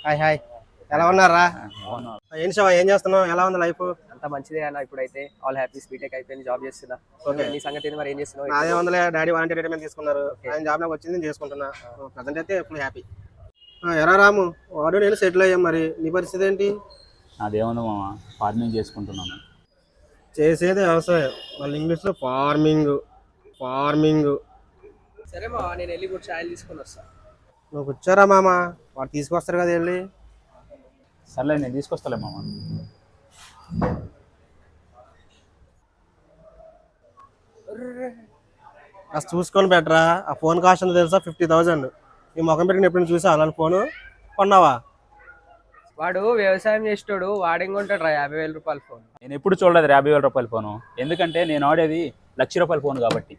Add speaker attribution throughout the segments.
Speaker 1: Hi hi, ఎలా ఉన్నారా? ఏం శివ, ఏం చేస్తున్నావు? ఎలా ఉంది లైఫ్?
Speaker 2: అంత మంచిదే అన్న. ఇప్పుడైతే ఆల్ హ్యాపీస్, బీటెక్ అయిపోయింది, జాబ్ చేస్తున్నా. నీ సంగతి ఏంది మరి, ఏం చేస్తున్నావు?
Speaker 1: అదే వందలే, డాడీ వాలంటీర్ రిటైర్మెంట్ తీసుకున్నారు, ఆయన జాబ్ నాకు వచ్చింది, నేను చేసుకుంటున్నా. ప్రజెంట్ అయితే ఫుల్ హ్యాపీ. ఎరా రాము, వాడు నేను సెటిల్ అయ్యాం, మరి నీ పరిస్థితి ఏంటి?
Speaker 3: అదేముంది మామ, ఫార్మింగ్ చేసుకుంటున్నాను.
Speaker 1: చేసేది వ్యవసాయం, మళ్ళీ ఇంగ్లీష్లో ఫార్మింగ్ ఫార్మింగ్.
Speaker 2: సరే మా, నేను వెళ్ళి కూడా ఛాయలు తీసుకొని వస్తా.
Speaker 1: నువ్వు కూర్చోరా మామ, వాడు తీసుకొస్తారు కదా వెళ్ళి.
Speaker 3: సర్లే, నేను తీసుకొస్తాలే మామ.
Speaker 1: అసలు చూసుకొని బెటరా. ఆ ఫోన్ కాస్ట్ ఎంత తెలుసా? 50,000. ఈ ముఖం పెట్టి ఎప్పుడు చూసా అలాంటి ఫోను కొన్నావా?
Speaker 2: వాడు వ్యవసాయం చేసేటోడు, వాడేం కొంటాడు రా 50,000 రూపాయల ఫోన్.
Speaker 3: నేను ఎప్పుడు చూడలేదు 50,000 రూపాయల ఫోను, ఎందుకంటే నేను ఆడేది ₹1,00,000 ఫోన్ కాబట్టి.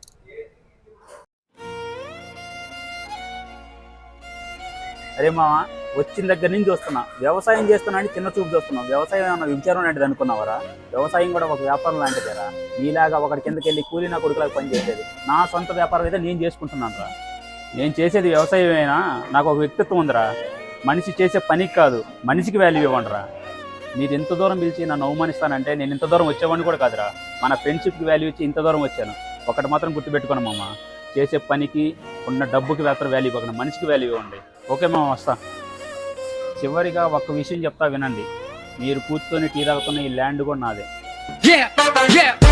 Speaker 3: అరే మామ, వచ్చిన దగ్గర నుంచి చూస్తున్నా, వ్యవసాయం చేస్తున్నా అని చిన్న చూపు చూస్తున్నావు. వ్యవసాయం ఏమన్నా విచారం లాంటిది అనుకున్నావరా? వ్యవసాయం కూడా ఒక వ్యాపారం లాంటిదేరా. నీలాగా ఒకటి కిందకి వెళ్ళి కూలి నా కొడుకులాగా పని చేసేది నా సొంత వ్యాపారం అయితే నేను చేసుకుంటున్నాను రా. నేను చేసేది వ్యవసాయమైనా నాకు ఒక వ్యక్తిత్వం ఉందిరా. మనిషి చేసే పనికి కాదు, మనిషికి వాల్యూ ఇవ్వండిరా. మీరు ఇంత దూరం పిలిచి నన్ను అవమానిస్తానంటే నేను ఇంత దూరం వచ్చేవాడిని కూడా కాదురా. మన ఫ్రెండ్షిప్కి వాల్యూ ఇచ్చి ఇంత దూరం వచ్చాను. ఒకటి మాత్రం గుర్తుపెట్టుకోను మామ, చేసే పనికి ఉన్న డబ్బుకి మాత్రం వాల్యూ ఇవ్వకుండా మనిషికి వాల్యూ ఇవ్వండి. ఓకే మామ, వస్తా. చివరిగా ఒక్క విషయం చెప్తా వినండి. మీరు కూర్చొని టీ తాగుతున్న ఈ ల్యాండ్ కూడా నాదే.